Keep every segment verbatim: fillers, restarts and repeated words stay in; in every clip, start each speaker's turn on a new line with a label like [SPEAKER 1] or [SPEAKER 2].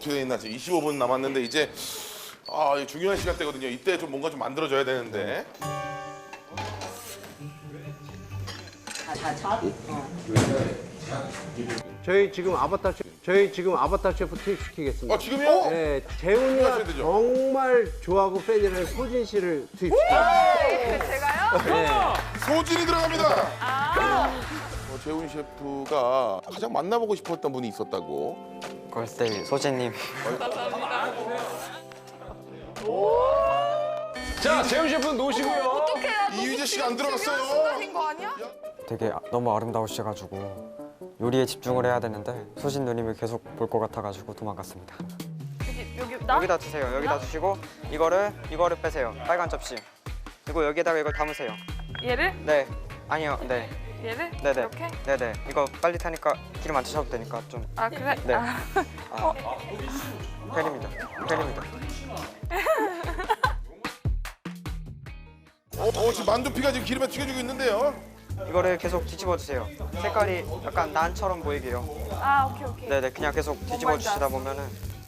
[SPEAKER 1] 어떻게 돼 있나 지금 이십오 분 남았는데 이제 아 이게 중요한 시간대거든요. 이때 좀 뭔가 좀 만들어줘야 되는데.
[SPEAKER 2] 저희 지금 아바타 셰프, 저희 지금 아바타 셰프 투입시키겠습니다.
[SPEAKER 1] 아 지금요?
[SPEAKER 2] 네, 재훈이가
[SPEAKER 1] 하셔야 되죠.
[SPEAKER 2] 정말 좋아하고 팬이라는 소진 씨를 투입시킵니다.
[SPEAKER 3] 네, 제가요?
[SPEAKER 2] 네.
[SPEAKER 1] 소진이 들어갑니다.
[SPEAKER 3] 아,
[SPEAKER 1] 어, 재훈 셰프가 가장 만나보고 싶었던 분이 있었다고.
[SPEAKER 4] 걸스데이 소진님.
[SPEAKER 5] 자, 재훈 셰프 놓으시고요.
[SPEAKER 3] 어떡해. 나 너무
[SPEAKER 1] 이휘재 씨가 안
[SPEAKER 3] 지금
[SPEAKER 1] 들어갔어요.
[SPEAKER 3] 중요한 순간인 거 아니야?
[SPEAKER 4] 되게 너무 아름다우셔가지고 요리에 집중을 해야 되는데 소진 누님을 계속 볼 것 같아가지고 도망갔습니다.
[SPEAKER 3] 여기, 여기, 나?
[SPEAKER 4] 여기다 두세요. 여기다 두시고 이거를 이거를 빼세요. 빨간 접시. 그리고 여기에다가 이걸 담으세요.
[SPEAKER 3] 얘를?
[SPEAKER 4] 네. 아니요. 네.
[SPEAKER 3] 얘를?
[SPEAKER 4] 네네.
[SPEAKER 3] 이렇게?
[SPEAKER 4] 네네. 이거 빨리 타니까 기름 안 드셔도 되니까 좀.
[SPEAKER 3] 아, 그래?
[SPEAKER 4] 네.
[SPEAKER 3] 아,
[SPEAKER 4] 아. 팬입니다. 팬입니다.
[SPEAKER 1] 어, 어 지금 만두피가 지금 기름에 튀겨지고 있는데요.
[SPEAKER 4] 이거를 계속 뒤집어 주세요. 색깔이 약간 난처럼 보이게요.
[SPEAKER 3] 아, 오케이, 오케이.
[SPEAKER 4] 네네. 그냥 계속 뒤집어
[SPEAKER 3] 말인지
[SPEAKER 4] 주시다
[SPEAKER 3] 알았어.
[SPEAKER 4] 보면은.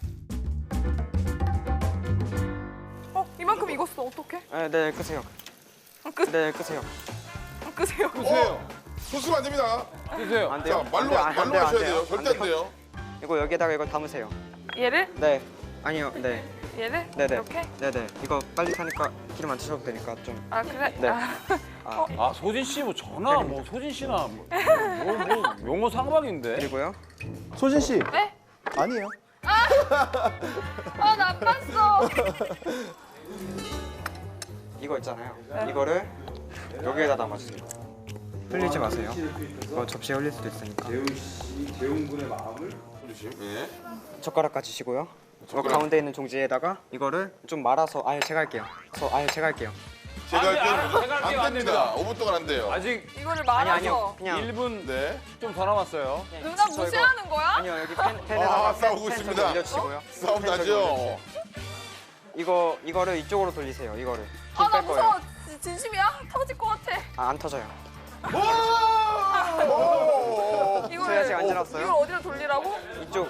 [SPEAKER 3] 어, 이만큼 익었어. 어떡해?
[SPEAKER 4] 네, 네 끄세요.
[SPEAKER 3] 끄,
[SPEAKER 4] 네 끄세요.
[SPEAKER 3] 끄세요.
[SPEAKER 1] 어, 소스면 안 됩니다.
[SPEAKER 5] 드세요.
[SPEAKER 4] 안 돼요?
[SPEAKER 1] 자 말로
[SPEAKER 4] 안 돼요, 안
[SPEAKER 1] 말로
[SPEAKER 4] 돼요, 안
[SPEAKER 1] 하셔야
[SPEAKER 4] 돼요.
[SPEAKER 1] 돼요. 절대 안 돼요.
[SPEAKER 4] 이거 여기에다가 이걸 담으세요.
[SPEAKER 3] 얘를?
[SPEAKER 4] 네. 아니요. 네.
[SPEAKER 3] 얘를?
[SPEAKER 4] 네네.
[SPEAKER 3] 이렇게?
[SPEAKER 4] 네네. 이거 빨리 타니까 기름 안 드셔도 되니까 좀.
[SPEAKER 3] 아, 그래?
[SPEAKER 4] 네.
[SPEAKER 3] 아,
[SPEAKER 5] 아, 소진 씨 뭐 전화 뭐 소진 씨나 뭐, 뭐, 뭐 용어 상박인데.
[SPEAKER 4] 그리고요.
[SPEAKER 2] 소진 씨.
[SPEAKER 3] 네?
[SPEAKER 2] 아니에요.
[SPEAKER 3] 아, 나빴어.
[SPEAKER 4] 이거 있잖아요. 이거를 여기에다 담아주세요. 흘리지 마세요. 이거 접시에 흘릴 수도 있으니까.
[SPEAKER 1] 예.
[SPEAKER 4] 젓가락 가지시고요. 이거
[SPEAKER 1] 젓가락.
[SPEAKER 4] 가운데 있는 종지에다가 이거를 좀 말아서 아예 제가 할게요. 저 아예 제가 할게요.
[SPEAKER 1] 제가
[SPEAKER 5] 안 돼, 안 돼,
[SPEAKER 1] 할게요.
[SPEAKER 5] 제가 할게요.
[SPEAKER 1] 안
[SPEAKER 5] 안
[SPEAKER 1] 됩니다. 오 분 동안 안 돼요.
[SPEAKER 5] 아직
[SPEAKER 3] 이거를
[SPEAKER 4] 아니
[SPEAKER 3] 말아서.
[SPEAKER 4] 아니요. 그냥
[SPEAKER 5] 일 분 좀 더
[SPEAKER 1] 네.
[SPEAKER 5] 남았어요.
[SPEAKER 3] 누나
[SPEAKER 4] 저 이거-
[SPEAKER 3] 무시하는 거야?
[SPEAKER 4] 아니요 여기 팬 팬에다가
[SPEAKER 1] 아, 싸우고
[SPEAKER 4] 팬
[SPEAKER 1] 있습니다.
[SPEAKER 4] 좀 올려주시고요.
[SPEAKER 1] 싸움
[SPEAKER 4] 팬 좀
[SPEAKER 1] 나죠.
[SPEAKER 4] 올려주세요. 이거 이거를 이쪽으로 돌리세요. 이거를.
[SPEAKER 3] 아, 나
[SPEAKER 4] 힘뺄 거예요.
[SPEAKER 3] 무서워. 진- 진심이야? 터질 것 같아.
[SPEAKER 4] 아, 안 터져요.
[SPEAKER 1] 오!
[SPEAKER 3] 이걸,
[SPEAKER 4] 저희 아직 안 지났어요?
[SPEAKER 3] 이걸 어디로 돌리라고?
[SPEAKER 4] 이쪽.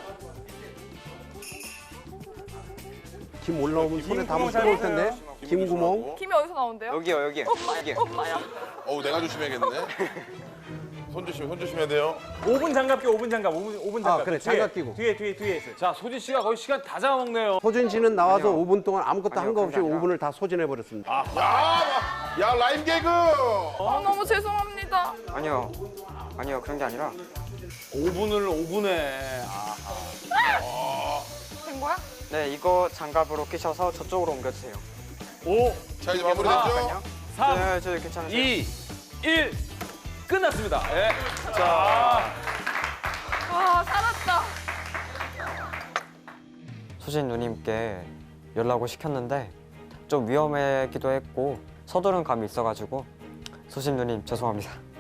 [SPEAKER 2] 김 올라오면 손에 담으면 뜨거울 텐데. 김 구멍.
[SPEAKER 3] 김이 어디서 나온대요?
[SPEAKER 4] 여기요 여기. 여기.
[SPEAKER 3] 엄마야.
[SPEAKER 1] 어우 내가 조심해야겠네. 손 조심, 손 조심해야 돼요.
[SPEAKER 6] 오 분 장갑 끼 오 분 장갑 오 분 오 분 장갑.
[SPEAKER 2] 아, 그래,
[SPEAKER 6] 뒤에,
[SPEAKER 2] 장갑 끼고.
[SPEAKER 6] 뒤에 뒤에 뒤에 있어요.
[SPEAKER 5] 자, 소진 씨가 거의 시간 다 잡아먹네요.
[SPEAKER 2] 소진 씨는 나와서
[SPEAKER 4] 아니요.
[SPEAKER 2] 오 분 동안 아무것도 한 거
[SPEAKER 4] 아니요,
[SPEAKER 2] 없이
[SPEAKER 4] 그게 아니라.
[SPEAKER 2] 오 분을 다 소진해 버렸습니다.
[SPEAKER 1] 야, 야 라임 개그.
[SPEAKER 3] 아, 너무 죄송합니다.
[SPEAKER 4] 아니요. 아니요 그런 게 아니라
[SPEAKER 5] 오 분을 오 분에. 아,
[SPEAKER 3] 된 거야?
[SPEAKER 4] 네 이거 장갑으로 끼셔서 저쪽으로 옮겨주세요.
[SPEAKER 5] 오,
[SPEAKER 1] 자 이제 마무리됐죠?
[SPEAKER 4] 잠깐만요.
[SPEAKER 5] 삼,
[SPEAKER 4] 네, 저 괜찮으세요?
[SPEAKER 5] 이, 일. 끝났습니다. 예. 자,
[SPEAKER 3] 와, 살았다.
[SPEAKER 4] 소진 누님께 연락을 시켰는데 좀 위험하기도 했고 서두른 감이 있어가지고 소진 누님 죄송합니다.